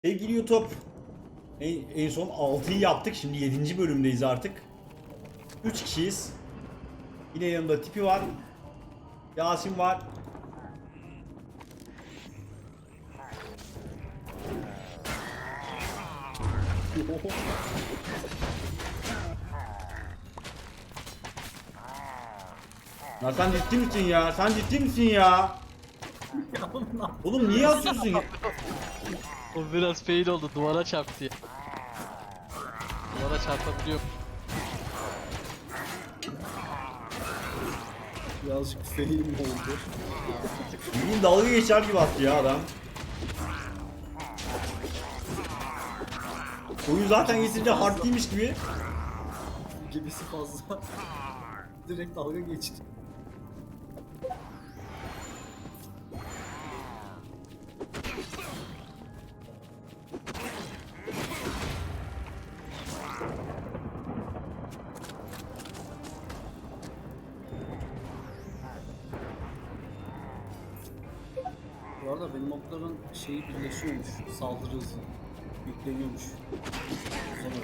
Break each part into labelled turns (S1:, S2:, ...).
S1: Sevgili YouTube, en son 6'yı yaptık. Şimdi 7. bölümdeyiz artık. 3 kişiyiz. Yine yanımda Tipi var. Yasin var. Ya sen ciddi misin ya? Sen ciddi misin ya? Oğlum niye atıyorsun ya?
S2: O biraz fail oldu, duvara çarptı ya. Duvara çarpabiliyor.
S3: Birazcık fail mi oldu?
S1: Bildiğin dalga geçer gibi attı ya adam. Oyun zaten getirince hard değilmiş gibi.
S3: Gibisi fazla. Direkt dalga geçti. Bu arada benim okların şeyi birleşiyormuş, saldırı hızı yükleniyormuş. Sonra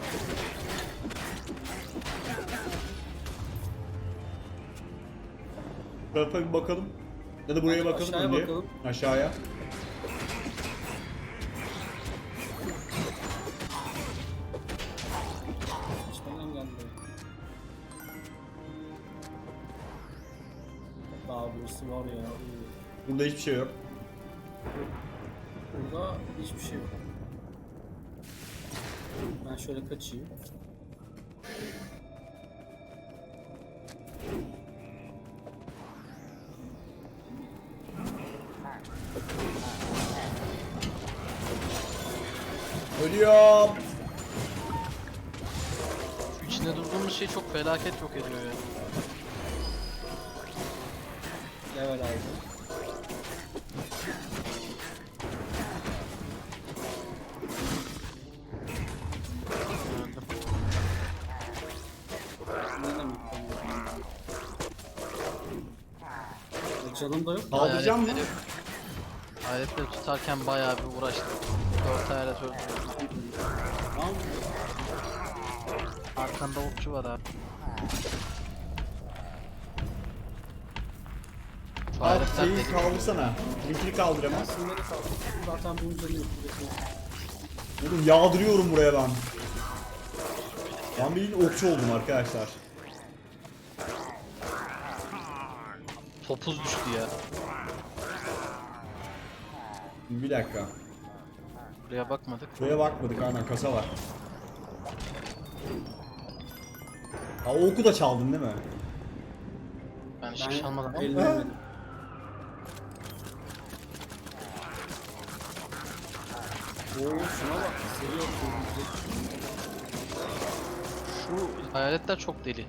S1: Bu tarafa bir bakalım. Ya da buraya
S3: Hadi
S1: bakalım.
S3: aşağıya
S1: önce.
S3: bakalım.
S1: Aşağıya.
S3: içmeden geldi. Daha burası var ya.
S1: Burada hiçbir şey yok.
S3: Burada hiçbir şey yok. Ben şöyle kaçayım.
S1: Ölüyorum.
S2: Şu içinde durduğumuz şey çok felaket yok ediyor ya.
S3: Level aldım.
S2: Gördüm.
S3: Ne demek ben? Canım da yok.
S1: Kaldıracağım mı?
S2: Aletleri tutarken bayağı bir uğraştım. 4 alet öldürdüm.
S3: Tamam.
S2: Arkanda okçu var abi. Şu
S1: Abi
S2: aletler
S1: şeyi
S2: deli.
S1: kaldırsana. Linkini kaldır hemen.
S3: Aslında da kaldım. Zaten bunun üzerine yapıyorsun.
S1: Oğlum yağdırıyorum buraya ben. Ben bildiğin okçu oldum arkadaşlar.
S2: Topuz düştü ya.
S1: Bir dakika.
S2: Buraya bakmadık.
S1: Buraya bakmadık, aynen kasa var. Ha, o oku da çaldın değil mi?
S2: Ben hiçbir şey almadım.
S3: Ben ellemedim. Oo şuna bak. Seviyor kırmızı.
S2: Şu hayaletler çok deli.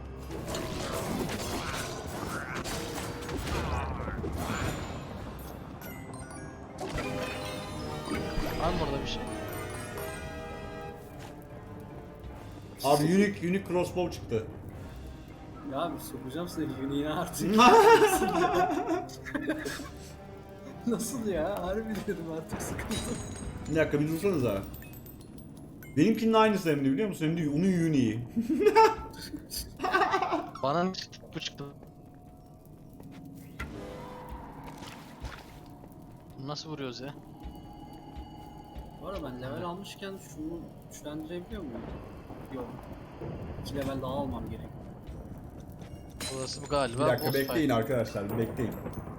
S2: Var mı orada bir şey?
S1: Abi unique crossbow çıktı.
S3: Ya abi sokacağım seni Uni'ye artık. Nasıl ya? Harbi dedim artık sıkıntı.
S1: Bir dakika bir dursanıza. Benimkinin aynısı hem de, biliyor musun? Hem de onun unique'i.
S2: Bana bu çıktı. Bunu nasıl vuruyoruz ya?
S3: Bu arada ben level almışken şunu güçlendirebiliyor muyum? Yok. 2 level daha almam gerek.
S2: Burası bu
S1: Bir
S2: galiba
S1: dakika
S2: boss
S1: bekleyin
S2: fight.
S1: arkadaşlar, bir bekleyin.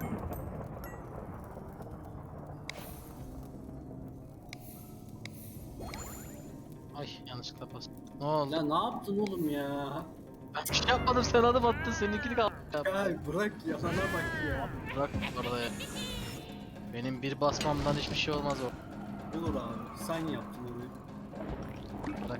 S2: Ay yanlışlıkla bastım. Ne oldu?
S3: Ya ne yaptın oğlum ya?
S2: Ben bir şey yapmadım, sen adım attın, seninkini kaldı.
S3: Ya bırak yalana bak ya.
S2: Bırak orada ya. Benim bir basmamdan hiçbir şey olmaz o.
S3: Olur abi sen yaptın onu.
S2: Bırak.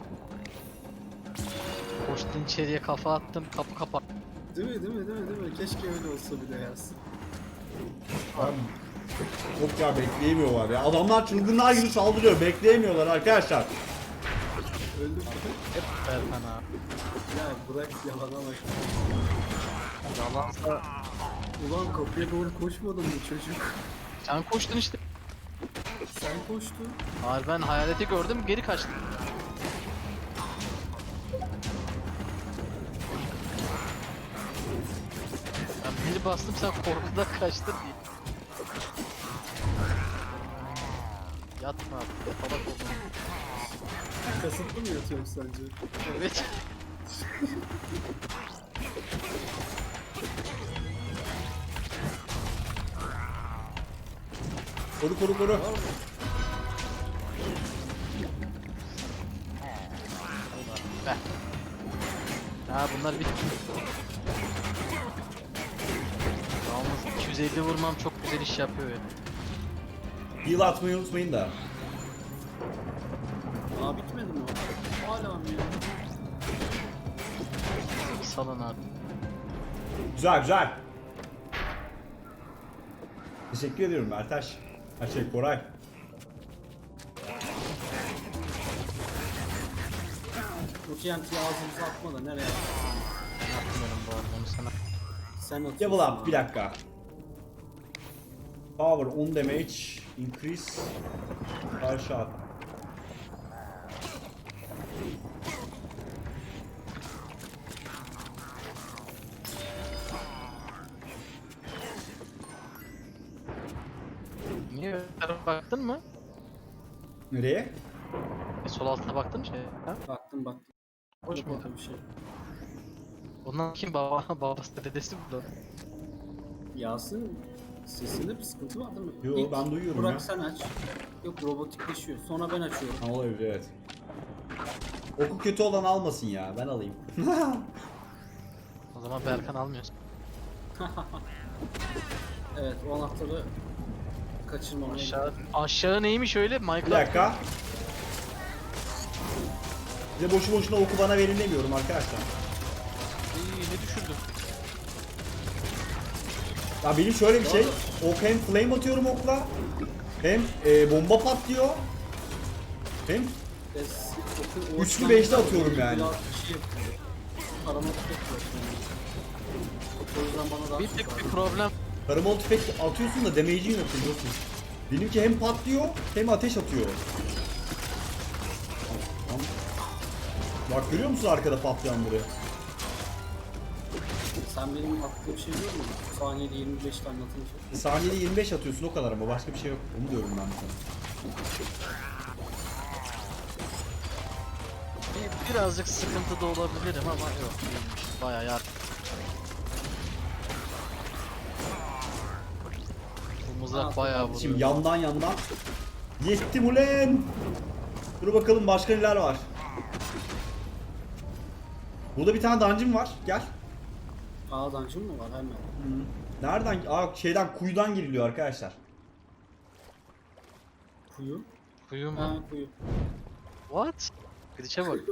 S2: Koştun içeriye, kafa attım, kapı kapat.
S3: Değil mi? Keşke öyle olsa bir de yazsın.
S1: Abi, yok ya, bekleyemiyorlar ya. Adamlar çılgınlar gibi saldırıyor, bekleyemiyorlar arkadaşlar.
S3: Öldüm.
S2: Hep Berkan abi.
S3: Ya bırak yalana bak.
S2: Yalansa
S3: Ulan kapıya doğru koşmadın mı çocuk?
S2: sen koştun işte.
S3: Sen koştun.
S2: Hayır, ben hayaleti gördüm, geri kaçtım. Ben bir bastım, sen korkudan kaçtın diye. Yatma abi, yatalak oldum.
S3: Kasıtlı mı yatıyorum sence?
S2: Evet.
S1: Koru koru koru.
S2: Be. Ha bunlar bitti. Yalnız 250 vurmam çok güzel iş yapıyor ya.
S1: Heal atmayı unutmayın da.
S3: Aa bitmedi mi o? Hala mı ya?
S2: Salın abi.
S1: Güzel güzel. Teşekkür ediyorum Mertaş. Her şey Koray.
S3: Bu TNT'yi ağzımıza atma da nereye atıyorsun?
S2: Ben atmıyorum bu arada onu sana.
S3: Sen atıyorsun.
S1: Level up
S3: abi.
S1: bir dakika. Power on damage increase. Karşı at.
S2: Niye öyle tarafa baktın mı?
S1: Nereye?
S2: Sol altına baktın mı şey? Ha?
S3: Baktım.
S2: Hoş
S3: Yok
S2: mu?
S3: orada bir şey.
S2: Ondan kim baba babası dedesi burada.
S3: Yasin sesinde bir sıkıntı var değil mi?
S1: Yo,
S3: İlk
S1: ben duyuyorum
S3: Burak
S1: ya.
S3: sen aç. Yok robotikleşiyor. Sonra ben açıyorum.
S1: Ha, olabilir evet. Oku kötü olan almasın ya. Ben alayım.
S2: O zaman Berkan almıyorsun.
S3: Evet o anahtarı kaçırmamaya
S2: Aşağı neymiş öyle? Minecraft.
S1: Bir dakika. Size boşu boşuna oku bana verin demiyorum arkadaşlar.
S2: İyi, ne düşürdüm?
S1: Ya benim şöyle bir şey. Ok hem flame atıyorum okla. Hem bomba patlıyor. Hem Üçlü beşli atıyorum yani.
S3: Biraz bir şey yapıyor. Arama tüfek var şimdi. O yüzden bana daha
S2: Bir
S3: çok
S2: tek bir
S3: lazım.
S2: problem.
S1: karamol tüfek atıyorsun da damage'in yok biliyorsun. Benimki hem patlıyor hem ateş atıyor. Tamam. Bak görüyor musun arkada patlayanları?
S3: Sen benim attığım şey biliyor musun? Saniyede 25 tane atınca.
S1: Saniyede 25 atıyorsun o kadar ama başka bir şey yok. Onu diyorum ben sana.
S2: Birazcık sıkıntı da olabilirim ama yok değilmiş. Bayağı yardım. Bu mızrak bayağı vuruyor.
S1: Şimdi yandan yettim ulen. Dur bakalım başka neler var. Burada bir tane dungeon var. Gel.
S3: Aa dungeon mı var hemen?
S1: Nereden? Şeyden kuyudan giriliyor arkadaşlar.
S3: Kuyu.
S2: Kuyu mu?
S3: Ha kuyu.
S2: What? Gidişe bak.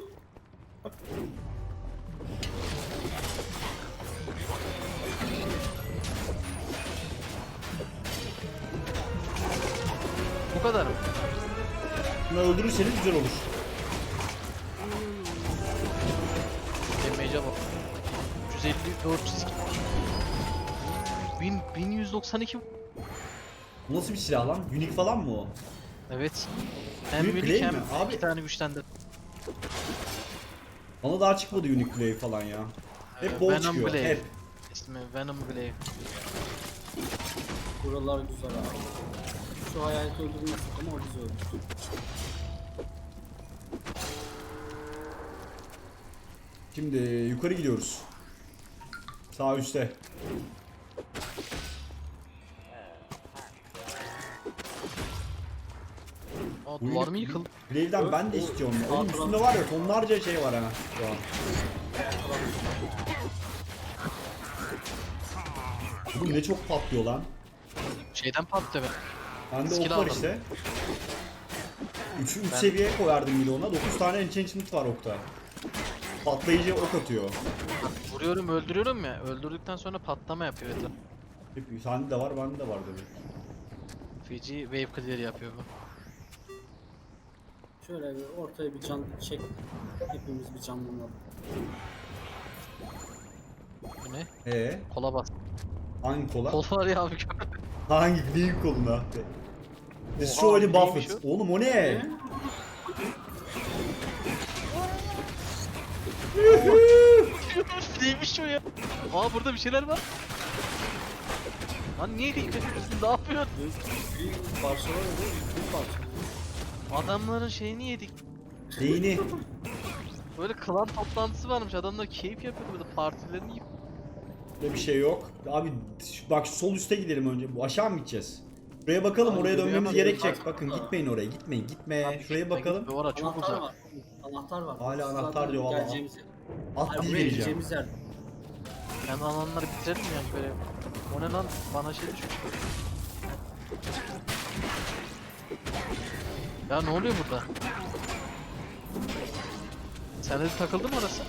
S2: Bu kadar mı?
S1: Bunu öldürürseniz güzel olur.
S2: Damage'e bak. 150, 402. 1192.
S1: Bu nasıl bir silah lan? Unique falan mı o?
S2: Evet. Hem
S1: Büyük
S2: minik
S1: Blade
S2: hem
S1: mi? Abi-
S2: iki tane güçlendi.
S1: Bana daha çıkmadı Unique Blade falan ya. Hep bol
S2: Venom
S1: çıkıyor.
S2: Blade.
S1: Hep.
S2: İsmi Venom Glaive.
S3: Buralar güzel abi. Şu hayaleti öldürmezsek ama o bizi öldürdü.
S1: Şimdi yukarı gidiyoruz. Sağ üstte.
S2: Aa,
S1: Bu
S2: duvar mı yıkıldı?
S1: Blade'den ben de istiyorum. ya. Oğlum üstünde var ya tonlarca şey var ha şu an. Oğlum ne çok patlıyor lan.
S2: Şeyden patlıyor be.
S1: Bende
S2: Skill
S1: ok var
S2: aldım.
S1: işte. 3
S2: Ben-
S1: seviye koyardım bir de ona. 9 tane enchantment var okta. Patlayıcı ok atıyor.
S2: Vuruyorum öldürüyorum ya. Öldürdükten sonra patlama yapıyor etraf.
S1: Hep sende de var, bende de var demek.
S2: Fiji wave clear yapıyor bu.
S3: Şöyle bir ortaya bir can çek. Hepimiz bir canlanalım.
S2: Bu ne?
S1: He?
S2: Kola bas.
S1: Hangi kola?
S2: Kol var ya abi.
S1: Hangi neyin koluna? Destroy the
S2: neymiş
S1: Buffett.
S2: o?
S1: Oğlum o ne?
S2: Neymiş o ya? Aa burada bir şeyler var. Lan niye dikkat ediyorsun? Ne yapıyorsun?
S3: Bir parça var ya, bir parça.
S2: Adamların şeyini yedik.
S1: Neyini?
S2: Böyle klan toplantısı varmış. Adamlar keyif yapıyor burada partilerini yiyip.
S1: Burada bir şey yok. Abi bak şu sol üste gidelim önce. Bu aşağı mı gideceğiz? Şuraya bakalım,
S3: Abi,
S1: oraya dönmemiz
S3: yürüyemem.
S1: gerekecek.
S3: Bak-
S1: Bakın gitmeyin oraya, gitmeyin, gitme.
S2: Abi,
S1: Şuraya bakalım.
S2: Orası çok
S3: Anahtar
S2: uzak.
S3: var. Anahtar var.
S1: Hala
S3: Zaten
S1: anahtar diyor valla.
S3: geleceğimiz yer.
S1: At
S3: Hayır,
S1: dil
S3: buraya
S1: vereceğim.
S3: gideceğimiz yer.
S2: Ben alanları bitirelim ya böyle. O ne lan? Bana şey düşmüş. Ya ne oluyor burada? Sen de takıldın mı orası?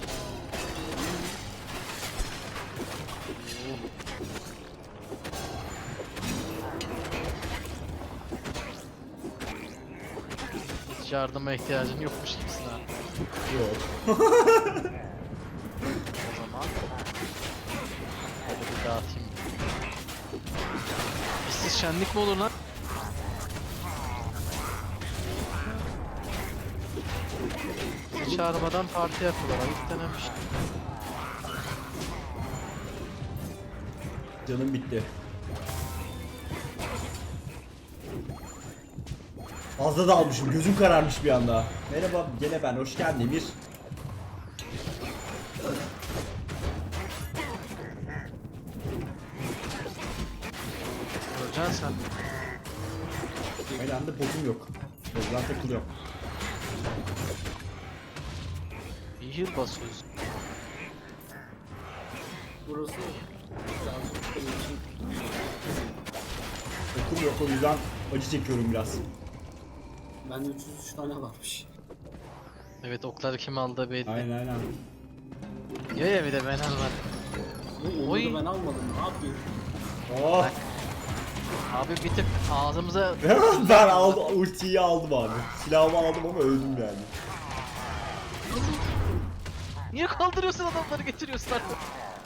S2: Hiç yardıma ihtiyacın yokmuş gibisin ha.
S1: Yok.
S2: O zaman hadi bir dağıtayım. İşsiz şenlik mi olur lan? Bizi çağırmadan parti yapıyorlar. Ayıp denen bir şey.
S1: Canım bitti. Fazla da almışım, gözüm kararmış bir anda. Merhaba, gene ben, hoş geldin Emir.
S2: Göreceksin sen.
S1: Aynı anda botum yok. Gözden takılıyor.
S2: Bir yıl basıyoruz.
S3: Burası birazcık benim için
S1: Okum yok, o yüzden acı çekiyorum biraz.
S3: bende 303 tane varmış.
S2: Evet okları kim aldı belli.
S1: Aynen.
S2: Ya bir de ben almadım.
S3: Onu
S2: Oy.
S3: da ben almadım. Ne yapayım?
S1: Oh!
S2: Abi bir tık ağzımıza...
S1: Ben aldım, ultiyi aldım abi. Silahımı aldım ama öldüm yani.
S2: Niye kaldırıyorsun adamları getiriyorsun artık?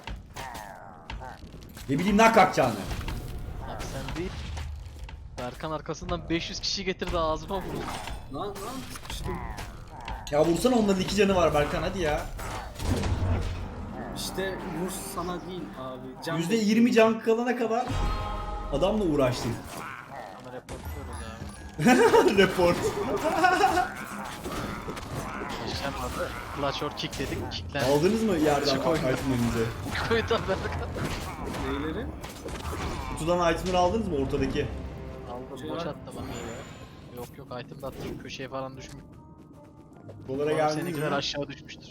S1: Ne bileyim ne kalkacağını.
S2: Abi sen değil. Berkan arkasından 500 kişi getirdi ağzıma vurdu.
S3: Lan sıkıştım.
S1: Ya vursana, onların 2 canı var Berkan, hadi ya.
S3: İşte vur sana değil abi. Can
S1: %20 can kalana kadar adamla uğraştım.
S2: Ama reportluyoruz ya.
S1: Report.
S2: Geçen vardı. Clutch or kick dedik. Kicklendi.
S1: Aldınız mı yerden
S2: Şu koyun.
S1: itemlerinizi?
S2: Koydu abi Berkan.
S3: neyleri?
S1: Kutudan itemleri aldınız mı ortadaki?
S2: Aldım
S3: Şey
S2: boş
S3: var.
S2: attı bana ya. Yok yok item de attı şu köşeye falan düşmüş.
S1: Dolara
S2: Umarım
S1: geldiniz
S2: seninkiler
S1: mi?
S2: aşağı düşmüştür.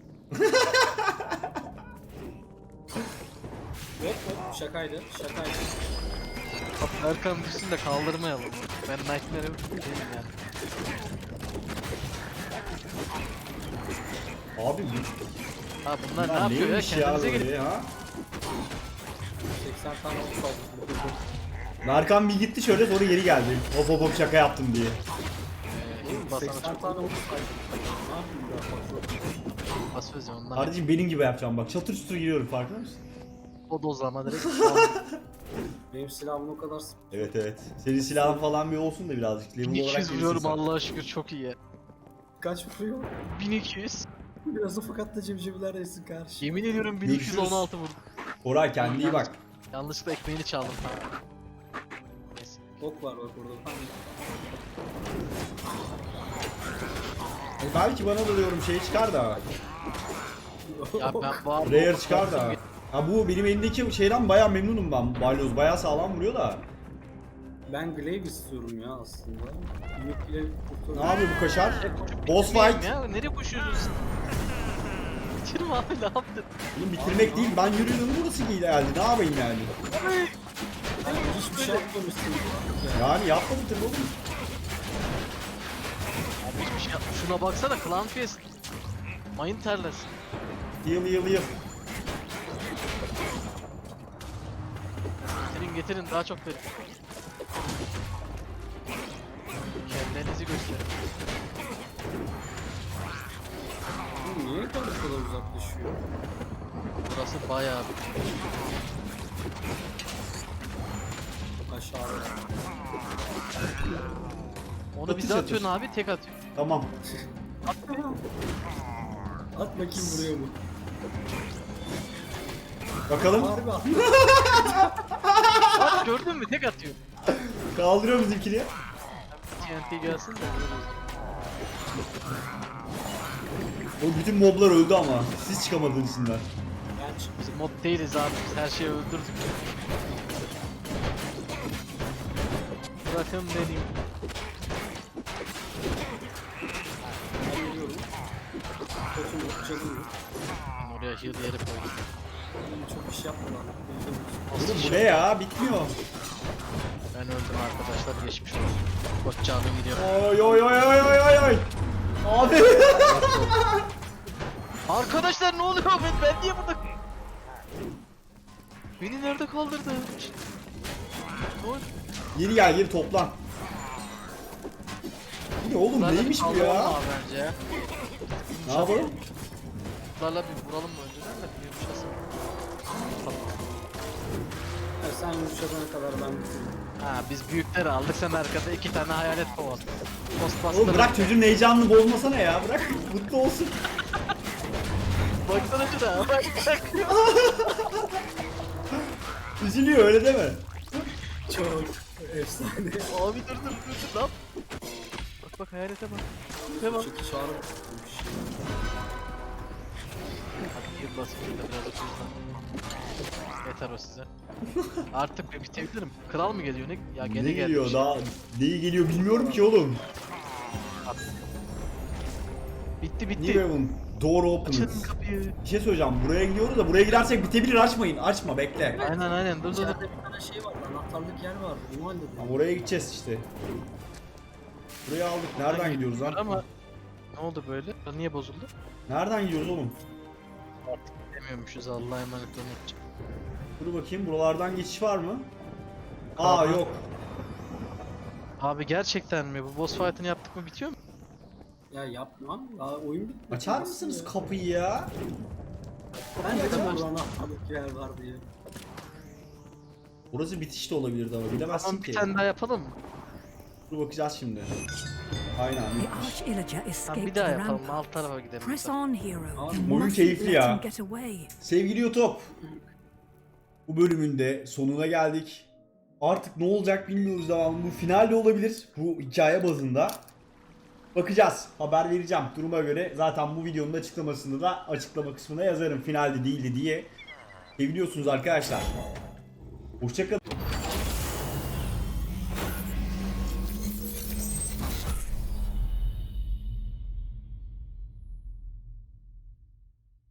S3: Yok şakaydı.
S2: Abi Berkan düşsün de kaldırmayalım. Ben Nightmare'e değilim yani.
S1: Abi
S2: Ha bunlar ne
S1: bunlar
S2: yapıyor ya?
S1: neymiş
S2: Kendinize gelin.
S1: böyle ha?
S3: 80 tane ok aldım.
S1: Berkan bir gitti şöyle, sonra geri geldi. Hop hop şaka yaptım diye.
S2: Basana
S3: 80
S2: çok
S3: tane ok saydım. Ne yapayım daha fazla?
S2: basıyoruz ya onlar.
S1: Kardeşim benim gibi yapacağım bak. Çatır çutur giriyorum, farkında mısın?
S2: O dozlama direkt.
S3: Benim silahım o kadar
S1: Evet. Senin silahın falan bir olsun da birazcık. Level olarak
S2: 1200
S1: gelirsin
S2: vuruyorum
S1: sen.
S2: Allah'a şükür çok iyi.
S3: kaç vuruyor?
S2: 1200.
S3: Biraz da fakat da cebcebiler yesin karşı.
S2: Yemin ediyorum 1216 vurdum.
S1: Koray kendine iyi bak.
S2: Yanlışlıkla ekmeğini çaldım falan. Neyse.
S3: Ok var bak orada.
S1: Belki bana da diyorum şey çıkar da.
S2: Ya ben bu arada
S1: Rare çıkar da. Ha bu benim elimdeki şeyden bayağı memnunum ben. Balyoz bayağı sağlam vuruyor da.
S3: Ben Glaive istiyorum ya aslında. Büyük Glaive
S1: Ne
S3: kurtarıyor.
S1: yapıyor bu kaşar?
S2: Koşup
S1: Boss
S2: bitirmeyeyim
S1: fight.
S2: Ya. Nereye koşuyorsun? Bitirme abi ne yaptın?
S1: Oğlum bitirmek değil, ben yürüyorum burası geldi. Ne yapayım yani?
S3: Hiçbir şey yapmamışsın.
S1: Yani yapmadım tabii oğlum.
S2: Abi hiçbir şey yapma. Şuna baksana Clan Fest. Mayın terlesin.
S1: Heal.
S2: Getirin daha çok verin. Kendinizi gösterin.
S3: Bu niye bu kadar uzaklaşıyor?
S2: Burası bayağı bir...
S3: Aşağıda.
S2: Onu
S1: Çatır
S2: bize
S1: çatır.
S2: atıyorsun abi, tek atıyor.
S1: Tamam.
S3: At bakayım vuruyor mu?
S1: Bakalım.
S3: Harbi at.
S2: Bak gördün mü, tek atıyor.
S1: Kaldırıyor bizimkini.
S2: TNT gelsin de vururuz.
S1: O bütün moblar öldü ama. Siz çıkamadınız içinden.
S3: Ben çık.
S2: Biz mod değiliz abi, biz her şeyi öldürdük. Bırakın beni.
S3: Ben geliyorum. Kötü mü? Canım mı?
S2: Ben oraya heal yeri koydum.
S3: Çok iş yapmadan.
S1: Oğlum bu ne ya? Bitmiyor.
S2: Ben öldüm arkadaşlar, geçmiş olsun. Koç canım gidiyor.
S1: Oy oy oy oy oy oy oy. Abi.
S2: Arkadaşlar ne oluyor? Ben niye burada? Beni nerede kaldırdı? Ne oldu?
S1: Geri gel geri toplan. Bu ne oğlum
S2: Bunlarla bir
S1: neymiş bu
S2: kaldıralım
S1: ya?
S2: abi bence.
S1: Ne yapalım?
S2: Bunlarla bir vuralım mı önceden de bir yumuşasın.
S3: Ya sen yumuşadana kadar ben bitirdim.
S2: Ha biz büyükleri aldık, sen arkada 2 tane hayalet kovaladın.
S1: Oğlum bırak çocuğun heyecanını bozmasana ya. Bırak mutlu olsun.
S2: Baksana şuna, bak.
S1: Üzülüyor öyle deme.
S3: Çok efsane.
S2: Abi dur lan. Bak hayalete bak. Ne bak.
S3: Çünkü çağrı
S2: Hadi yıl basıp biraz otursan. Yeter o size. Artık bir bitebilirim. Kral mı geliyor ne? Ya gene
S1: Ne
S2: geldi.
S1: geliyor daha neyi geliyor bilmiyorum ki oğlum.
S2: Bitti
S1: New
S2: bitti.
S1: Haven door opened.
S2: Açın kapıyı.
S1: Bir şey söyleyeceğim buraya gidiyoruz da buraya gidersek bitebilir açmayın açma bekle.
S2: Aynen dur.
S3: İçeride bir tane şey var. Anahtarlık yer var. Onu halledelim.
S1: Ama oraya gideceğiz işte. Buraya aldık. Nereden gidiyoruz lan?
S2: Ama ne oldu böyle? Niye bozuldu?
S1: Nereden gidiyoruz oğlum?
S2: Demiyormuşuz, Allah'a emanet olun.
S1: Dur bakayım buralardan geçiş var mı? Aa
S2: Abi.
S1: yok.
S2: Abi gerçekten mi? Bu boss fight'ını yaptık mı bitiyor mu?
S3: Ya yapmam. Daha oyun bitmedi.
S1: Açar mısınız kapıyı ya?
S3: Ben dedim
S2: Açamaz.
S3: burada anahtarlık yer var diye.
S1: Burası bitiş de olabilirdi ama bilemezsin
S2: Tamam
S1: ki.
S2: bir tane daha yapalım mı?
S1: Dur bakacağız şimdi. Aynen.
S4: The Arch-Illager
S2: Tamam
S4: escaped
S2: bir
S4: the
S2: daha yapalım.
S4: rampart.
S2: Alt tarafa gidelim.
S4: Press on, hero.
S3: Abi,
S4: You
S1: oyun
S4: mustn't
S1: keyifli
S4: let
S1: ya.
S4: him get away.
S1: Sevgili YouTube. Bu bölümün de sonuna geldik. Artık ne olacak bilmiyoruz devamlı. Bu final de olabilir. Bu hikaye bazında. Bakacağız. Haber vereceğim duruma göre. Zaten bu videonun açıklamasında da açıklama kısmına yazarım. Finalde değildi diye. Seviliyorsunuz arkadaşlar. Hoşçakalın.